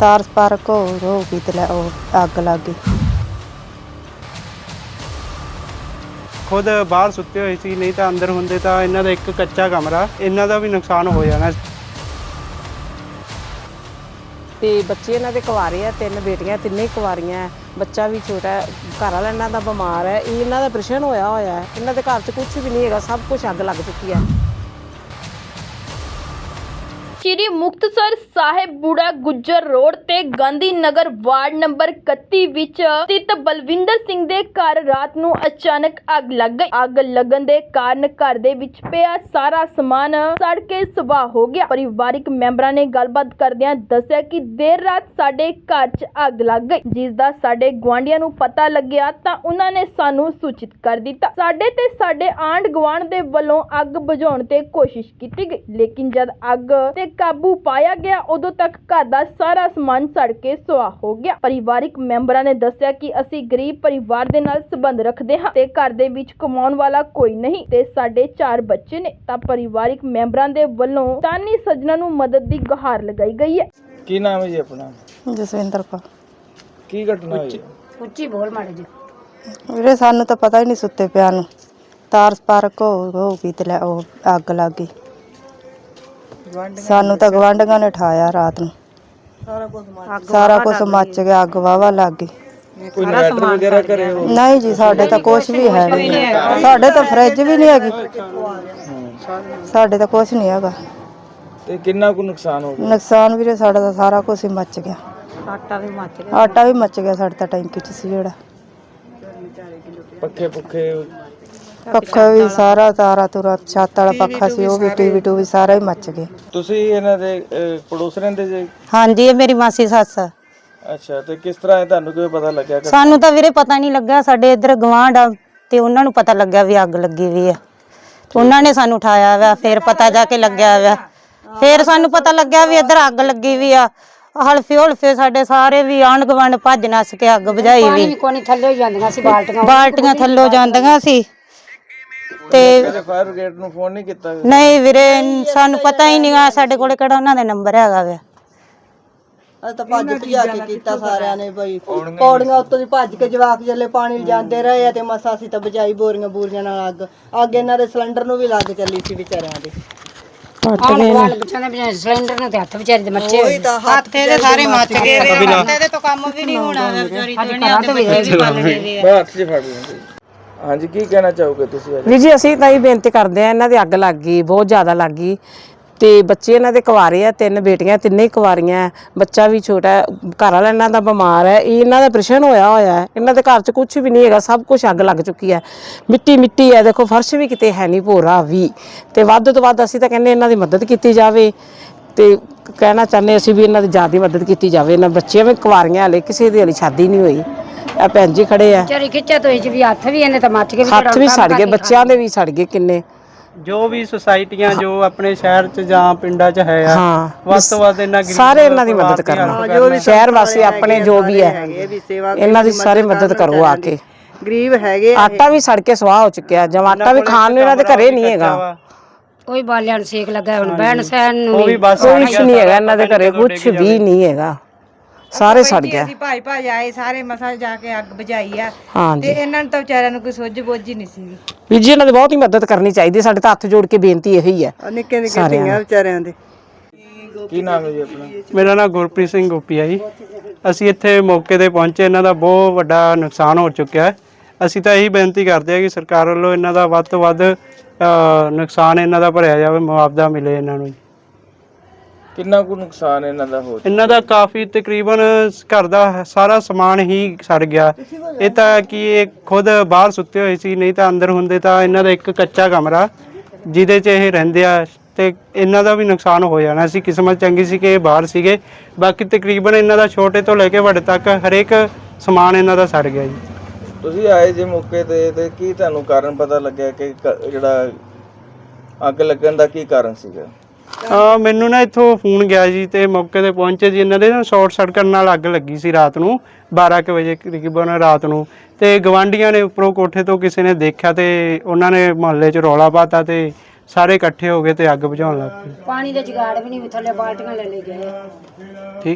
ਤਾਰ ਸਪਾਰਕ ਹੋ ਗਈ ਤੇ ਉਹ ਅੱਗ ਲੱਗ ਗਈ। खुद बाहर सुते हुए सी, नहीं तो अंदर होंगे तो इन्हों का एक कच्चा कमरा, इन्हों का भी नुकसान हो जाना। ਤੇ ਬੱਚੇ ਇਹਨਾਂ ਦੇ ਕੁਆਰੇ ਆ, 3 ਬੇਟੀਆਂ, ਤਿੰਨੇ ਕੁਆਰੀਆਂ, ਬੱਚਾ ਵੀ ਛੋਟਾ ਹੈ, ਘਰ ਵਾਲਾ ਇਹਨਾਂ ਦਾ ਬਿਮਾਰ ਹੈ, ਇਹਨਾਂ ਦਾ ਆਪਰੇਸ਼ਨ ਹੋਇਆ ਹੈ, ਇਹਨਾਂ ਦੇ ਘਰ 'ਚ ਕੁਝ ਵੀ ਨਹੀਂ ਹੈਗਾ, ਸਭ ਕੁਝ ਅੱਗ ਲੱਗ ਚੁੱਕੀ ਹੈ। ਸ਼੍ਰੀ ਮੁਕਤਸਰ ਸਾਹਿਬ ਬੁੜਾ ਗੁੱਜਰ ਰੋਡ ਤੇ ਗਾਂਧੀ ਨਗਰ ਵਾਰਡ ਨੰਬਰ 31 ਵਿੱਚ ਸਥਿਤ ਬਲਵਿੰਦਰ ਸਿੰਘ ਦੇ ਘਰ ਰਾਤ ਨੂੰ ਅਚਾਨਕ ਅੱਗ ਲੱਗ ਗਈ। ਅੱਗ ਲੱਗਣ ਦੇ ਕਾਰਨ ਘਰ ਦੇ ਵਿੱਚ ਪਿਆ ਸਾਰਾ ਸਮਾਨ ਸੜ ਕੇ ਸੁਆਹ ਹੋ ਗਿਆ। ਪਰਿਵਾਰਿਕ ਮੈਂਬਰਾਂ ਨੇ ਗੱਲਬਾਤ ਕਰਦਿਆਂ ਦੱਸਿਆ ਕਿ ਦੇਰ ਰਾਤ ਸਾਡੇ ਘਰ 'ਚ ਅੱਗ ਲੱਗ ਗਈ, ਜਿਸ ਦਾ ਸਾਡੇ ਗੁਆਂਢੀਆਂ ਨੂੰ ਪਤਾ ਲੱਗਿਆ ਤਾਂ ਉਹਨਾਂ ਨੇ ਸਾਨੂੰ ਸੂਚਿਤ ਕਰ ਦਿੱਤਾ। ਸਾਡੇ ਤੇ ਸਾਡੇ ਆਂਢ ਗੁਆਂਢ ਦੇ ਵੱਲੋਂ ਅੱਗ ਬੁਝਾਉਣ ਤੇ ਕੋਸ਼ਿਸ਼ ਕੀਤੀ ਗਈ, ਲੇਕਿਨ ਜਦ ਅੱਗ ਤੇ ਕਾਬੂ ਪਾਇਆ ਗਿਆ ਉਦੋਂ ਤੱਕ ਘਰ ਦਾ ਸਾਰਾ ਸਮਾਨ ਸੜ ਕੇ ਸੁਆਹ ਹੋ ਗਿਆ। ਪਰਿਵਾਰਿਕ ਮੈਂਬਰਾਂ ਨੇ ਦੱਸਿਆ ਕਿ ਅਸੀਂ ਗਰੀਬ ਪਰਿਵਾਰ ਦੇ ਨਾਲ ਸੰਬੰਧ ਰੱਖਦੇ ਹਾਂ ਤੇ ਘਰ ਦੇ ਵਿੱਚ ਕਮਾਉਣ ਵਾਲਾ ਕੋਈ ਨਹੀਂ ਤੇ ਸਾਡੇ 4 ਬੱਚੇ ਨੇ, ਤਾਂ ਪਰਿਵਾਰਿਕ ਮੈਂਬਰਾਂ ਦੇ ਵੱਲੋਂ ਦਾਨੀ ਸੱਜਣਾ ਨੂੰ ਮਦਦ ਦੀ ਗੁਹਾਰ ਲਗਾਈ ਗਈ ਹੈ। ਕੀ ਨਾਮ ਹੈ ਜੀ ਆਪਣਾ? ਜਸਵਿੰਦਰ ਕੌਰ। ਕੀ ਘਟਨਾ ਹੋਈ? ਉੱਚੀ ਬੋਲ ਮਾੜੇ ਜੀ। ਵੀਰੇ ਸਾਨੂੰ ਤਾਂ ਪਤਾ ਹੀ ਨਹੀਂ ਸੁੱਤੇ ਪਿਆ ਨੂੰ, ਤਾਰ ਸਪਾਰਕ ਹੋ ਗਈ ਤੇ ਉਹ ਅੱਗ ਲੱਗ ਗਈ। ਸਾਨੂੰ ਤਾਂ ਗਵਾਂਢੀਆਂ ਨੇ ਠਾਇਆ ਰਾਤ ਨੂੰ, ਸਾਰਾ ਕੁਝ ਮੱਚ ਗਿਆ, ਅੱਗ ਵਾਵਾ ਲੱਗ ਗਈ। ਕੋਈ ਇਨਵਰਟਰ ਵਗੈਰਾ ਘਰੇ ਹੋ? ਨਹੀਂ ਜੀ, ਸਾਡੇ ਤਾਂ ਕੁਝ ਵੀ ਹੈ ਨਹੀਂ, ਸਾਡੇ ਤਾਂ ਫਰਿੱਜ ਵੀ ਨਹੀਂ ਹੈਗੀ, ਸਾਡੇ ਤਾਂ ਕੁਝ ਨਹੀਂ ਹੈਗਾ। ਤੇ ਕਿੰਨਾ ਕੁ ਨੁਕਸਾਨ ਹੋ ਗਿਆ? ਨੁਕਸਾਨ ਵੀਰੇ ਸਾਡਾ ਤਾਂ ਸਾਰਾ ਕੁਝ ਹੀ ਮੱਚ ਗਿਆ। ਆਟਾ ਵੀ ਮੱਚ ਗਿਆ ਸਾਡੇ ਤਾਂ ਟੈਂਕੀ 'ਚ ਸੀ ਜਿਹੜਾ। ਪੱਖੇ ਪੱਖਾ ਵੀ ਸਾਰਾ, ਤਾਰਾ ਤੁਰਾ, ਛੱਤ ਵਾਲਾ ਪੱਖਾ ਸੀ ਉਹ ਵੀ, ਟੀਵੀ ਟੂਵੀ ਸਾਰਾ ਹੀ ਮੱਚ ਗਿਆ। ਤੁਸੀਂ ਇਹਨਾਂ ਦੇ ਪੜੋਸ ਰਹਿੰਦੇ ਜੇ? ਹਾਂਜੀ, ਇਹ ਮੇਰੀ ਮਾਸੀ ਸੱਸ ਆ। ਅੱਛਾ, ਤੇ ਕਿਸ ਤਰ੍ਹਾਂ ਇਹ ਤੁਹਾਨੂੰ ਕਿਵੇਂ ਪਤਾ ਲੱਗਿਆ? ਸਾਨੂੰ ਤਾਂ ਵੀਰੇ ਪਤਾ ਨਹੀਂ ਲੱਗਾ, ਸਾਡੇ ਇੱਧਰ ਗਵਾਂਢ ਆ ਤੇ ਉਹਨਾਂ ਨੂੰ ਪਤਾ ਲੱਗਿਆ ਵੀ ਅੱਗ ਲੱਗੀ ਵੀ ਆ, ਉਹਨਾਂ ਨੇ ਸਾਨੂੰ ਉਠਾਇਆ ਵਾ, ਫਿਰ ਪਤਾ ਜਾ ਕੇ ਲੱਗਿਆ ਵਾ, ਫਿਰ ਸਾਨੂੰ ਪਤਾ ਲੱਗਿਆ ਵੀ ਇੱਧਰ ਅੱਗ ਲੱਗੀ ਵੀ ਆ। ਹਲਫੇ ਸਾਡੇ ਸਾਰੇ ਵੀ ਆਂਢ ਗੁਆਂਢ ਭੱਜ ਨੱਸ ਕੇ ਅੱਗ ਬੁਝਾਈ ਵੀ, ਬਾਲਟੀਆਂ ਥੱਲੋਂ ਜਾਂਦੀਆਂ ਸੀ। ਤੇ ਫਾਇਰ ਬ੍ਰਿਗੇਡ ਨੂੰ ਫੋਨ ਨਹੀਂ ਕੀਤਾ? ਨਹੀਂ ਵੀਰੇ, ਸਾਨੂੰ ਪਤਾ ਹੀ ਨਹੀਂ ਆ, ਸਾਡੇ ਕੋਲੇ ਕਿਹੜਾ ਉਹਨਾਂ ਦਾ ਨੰਬਰ ਹੈਗਾ ਵਾ। ਅਸੀਂ ਤਾਂ ਭੱਜ ਭਜਾ ਕੇ ਕੀਤਾ ਸਾਰਿਆਂ ਨੇ ਬਈ, ਪੌੜੀਆਂ ਉੱਤੋਂ ਦੀ ਭੱਜ ਕੇ ਜਵਾਕ ਜੱਲੇ ਪਾਣੀ ਲਿਜਾਂਦੇ ਰਹੇ ਆ ਤੇ ਮਸਾ ਅਸੀਂ ਤਾਂ ਬੁਝਾਈ ਬੋਰੀਆਂ ਨਾਲ ਅੱਗ ਇਹਨਾਂ ਦੇ ਸਿਲੰਡਰ ਨੂੰ ਵੀ ਲੱਗ ਚੱਲੀ ਸੀ ਵਿਚਾਰਿਆਂ ਦੇ। ਸਿਲੰਡਰ ਨਾਲ ਤੇ ਹੱਥ ਵਿਚਾਰੀ ਦੇ ਮੱਚੇ ਹੋਏ, ਹੱਥ ਇਹਦੇ ਸਾਰੇ ਮੱਚ ਗਏ, ਇਹਦੇ ਤੋਂ ਕੰਮ ਵੀ ਨਹੀਂ ਹੋਣਾ ਵਿਚਾਰੀ ਹੱਥ 'ਚ ਫੜ ਲੈਂਦੇ। ਹਾਂਜੀ, ਕੀ ਕਹਿਣਾ ਚਾਹੋਗੇ ਤੁਸੀਂ? ਵੀਰ ਜੀ, ਅਸੀਂ ਤਾਂ ਇਹ ਬੇਨਤੀ ਕਰਦੇ ਆ, ਇਹਨਾਂ ਦੇ ਅੱਗ ਲੱਗ ਗਈ, ਬਹੁਤ ਜ਼ਿਆਦਾ ਲੱਗ ਗਈ ਤੇ ਬੱਚੇ ਇਹਨਾਂ ਦੇ ਕੁਆਰੇ ਆ, 3 ਬੇਟੀਆਂ, ਤਿੰਨੇ ਕੁਆਰੀਆਂ, ਬੱਚਾ ਵੀ ਛੋਟਾ ਹੈ, ਘਰ ਵਾਲਾ ਇਹਨਾਂ ਦਾ ਬਿਮਾਰ ਹੈ, ਇਹਨਾਂ ਦਾ ਆਪਰੇਸ਼ਨ ਹੋਇਆ ਹੈ, ਇਹਨਾਂ ਦੇ ਘਰ 'ਚ ਕੁਝ ਵੀ ਨਹੀਂ ਹੈਗਾ, ਸਭ ਕੁਝ ਅੱਗ ਲੱਗ ਚੁੱਕੀ ਹੈ। ਮਿੱਟੀ ਹੈ, ਦੇਖੋ ਫਰਸ਼ ਵੀ ਕਿਤੇ ਹੈ ਨਹੀਂ, ਭੋਰਾ ਵੀ, ਤੇ ਵੱਧ ਤੋਂ ਵੱਧ ਅਸੀਂ ਤਾਂ ਕਹਿੰਦੇ ਇਹਨਾਂ ਦੀ ਮਦਦ ਕੀਤੀ ਜਾਵੇ ਤੇ ਕਹਿਣਾ ਚਾਹੁੰਦੇ ਅਸੀਂ ਵੀ ਇਹਨਾਂ ਦੀ ਜ਼ਿਆਦਾ ਮਦਦ ਕੀਤੀ ਜਾਵੇ। ਇਹਨਾਂ ਬੱਚੀਆਂ ਵੀ ਕੁਆਰੀਆਂ, ਹਲੇ ਕਿਸੇ ਦੀ ਹਲੇ ਸ਼ਾਦੀ ਨਹੀਂ ਹੋਈ। ਆ ਭੈਣ ਜੀ ਖੜੇ ਆ, ਵਿਚਾਰੀ ਖਿੱਚਾ ਤੋਂ ਵੀ ਹੱਥ ਵੀ ਇਹਨੇ ਤਾਂ ਮੱਚ ਗਏ, ਹੱਥ ਵੀ ਸੜ ਗਏ, ਬੱਚਿਆਂ ਦੇ ਵੀ ਸੜ ਗਏ ਕਿੰਨੇ। जो भी सोसाइटियां जो अपने शहर च ਜਾਂ ਪਿੰਡਾਂ ਚ ਹੈ ਆ, ਵੱਧ ਤੋਂ ਵੱਧ ਇਹਨਾਂ ਗਰੀਬ ਸਾਰੇ ਇਹਨਾਂ ਦੀ ਮਦਦ ਕਰਨਾ, ਸ਼ਹਿਰ ਵਾਸੀ ਆਪਣੇ ਜੋ ਵੀ ਹੈ ਇਹਨਾਂ ਦੀ ਸਾਰੇ ਮਦਦ ਕਰੋ ਆ ਕੇ। ਗਰੀਬ ਹੈਗੇ, ਆਟਾ ਵੀ ਸੜ ਕੇ ਸੁਆਹ ਹੋ ਚੁੱਕਿਆ, ਜਦ ਆਟਾ ਵੀ ਖਾਣ ਨੂੰ ਇਹਨਾਂ ਦੇ ਘਰੇ ਨਹੀਂ ਹੈਗਾ, ਕੋਈ ਬਾਲਿਆਂ ਨੂੰ ਸੇਕ ਲੱਗਾ, ਹੁਣ ਬਹਿਣ ਸਹਿਣ ਨੂੰ ਉਹ ਵੀ ਬਸ ਕੁਛ ਨਹੀਂ ਹੈਗਾ ਇਹਨਾਂ ਦੇ ਘਰੇ, ਕੁਛ ਵੀ ਨਹੀਂ ਹੈਗਾ, ਸਾਰੇ ਸੜ ਗਿਆ। ਅਸੀਂ ਭਾਈ ਆਏ ਸਾਰੇ ਮਸਾ ਜਾ ਕੇ ਅੱਗ ਬੁਝਾਈ ਆ ਹਾਂ ਤੇ ਇਹਨਾਂ ਨੂੰ ਤਾਂ ਵਿਚਾਰਿਆਂ ਨੂੰ ਕੋਈ ਸੁੱਝ ਬੁੱਝ ਹੀ ਨਹੀਂ ਸੀ। ਵੀਰ ਜੀ, ਇਹਨਾਂ ਦੀ ਬਹੁਤ ਹੀ ਮਦਦ ਕਰਨੀ ਚਾਹੀਦੀ, ਸਾਡੇ ਤਾਂ ਹੱਥ ਜੋੜ ਕੇ ਬੇਨਤੀ ਇਹੀ ਹੈ ਨਿੱਕੇ ਧੀਆਂ ਵਿਚਾਰਿਆਂ ਦੇ। ਕੀ ਨਾਮ ਹੈ ਜੀ ਆਪਣਾ? ਮੇਰਾ ਨਾਮ ਗੁਰਪ੍ਰੀਤ ਸਿੰਘ ਗੋਪੀ ਹੈ ਜੀ। ਅਸੀਂ ਇੱਥੇ ਮੌਕੇ ਤੇ ਪਹੁੰਚੇ, ਇਹਨਾਂ ਦਾ ਬਹੁਤ ਵੱਡਾ ਨੁਕਸਾਨ ਹੋ ਚੁੱਕਿਆ ਹੈ। ਅਸੀਂ ਤਾਂ ਇਹੀ ਬੇਨਤੀ ਕਰਦੇ ਹਾਂ ਕਿ ਸਰਕਾਰ ਵੱਲੋਂ ਇਹਨਾਂ ਦਾ ਵੱਧ ਤੋਂ ਵੱਧ ਨੁਕਸਾਨ ਇਹਨਾਂ ਦਾ ਭਰਿਆ ਜਾਵੇ, ਮੁਆਵਜ਼ਾ ਮਿਲੇ ਇਹਨਾਂ ਨੂੰ। ਕਿੰਨਾ ਕੁ ਨੁਕਸਾਨ ਇਹਨਾਂ ਦਾ ਹੋ? ਇਹਨਾਂ ਦਾ ਕਾਫੀ, ਤਕਰੀਬਨ ਘਰ ਦਾ ਸਾਰਾ ਸਮਾਨ ਹੀ ਸੜ ਗਿਆ। ਇਹ ਤਾਂ ਕਿ ਇਹ ਖੁਦ ਬਾਹਰ ਸੁੱਤੇ ਹੋਏ ਸੀ, ਨਹੀਂ ਤਾਂ ਅੰਦਰ ਹੁੰਦੇ ਤਾਂ ਇਹਨਾਂ ਦਾ ਇੱਕ ਕੱਚਾ ਕਮਰਾ ਜਿਹਦੇ 'ਚ ਇਹ ਰਹਿੰਦੇ ਆ ਤੇ ਇਹਨਾਂ ਦਾ ਵੀ ਨੁਕਸਾਨ ਹੋ ਜਾਣਾ ਸੀ। ਕਿਸਮਤ ਚੰਗੀ ਸੀ ਕਿ ਇਹ ਬਾਹਰ ਸੀਗੇ, ਬਾਕੀ ਤਕਰੀਬਨ ਇਹਨਾਂ ਦਾ ਛੋਟੇ ਤੋਂ ਲੈ ਕੇ ਵੱਡੇ ਤੱਕ ਹਰੇਕ ਸਮਾਨ ਇਹਨਾਂ ਦਾ ਸੜ ਗਿਆ ਜੀ। ਤੁਸੀਂ ਆਏ ਜੇ ਮੌਕੇ ਤੇ ਕੀ ਤੁਹਾਨੂੰ ਕਾਰਨ ਪਤਾ ਲੱਗਿਆ ਕਿ ਜਿਹੜਾ ਅੱਗ ਲੱਗਣ ਦਾ ਕੀ ਕਾਰਨ ਸੀਗਾ? ਮੈਨੂੰ ਨਾ ਇੱਥੋਂ ਫੋਨ ਗਿਆ ਜੀ ਤੇ ਮੌਕੇ ਤੇ ਪਹੁੰਚੇ ਜੀ। ਇਹਨਾਂ ਦੇ ਨਾ ਸ਼ਾਰਟ ਸਰਕਟ ਨਾਲ ਅੱਗ ਲੱਗੀ ਸੀ ਰਾਤ ਨੂੰ 12 ਕੁ ਵਜੇ ਤਕਰੀਬਨ ਰਾਤ ਨੂੰ, ਤੇ ਗਵਾਂਢੀਆਂ ਨੇ ਉੱਪਰੋਂ ਕੋਠੇ ਤੋਂ ਕਿਸੇ ਨੇ ਦੇਖਿਆ ਤੇ ਉਹਨਾਂ ਨੇ ਮੁਹੱਲੇ 'ਚ ਰੌਲਾ ਪਾਤਾ ਤੇ ਸਾਰੇ ਇਕੱਠੇ ਹੋ ਗਏ ਤੇ ਅੱਗ ਬੁਝਾਉਣ ਲੱਗ ਪਏ। ਪਾਣੀ ਦੇ ਜੁਗਾੜ ਵੀ ਨਹੀਂ, ਥੱਲੇ ਬਾਲਟੀਆਂ ਲੈ ਗਏ। ਠੀਕ।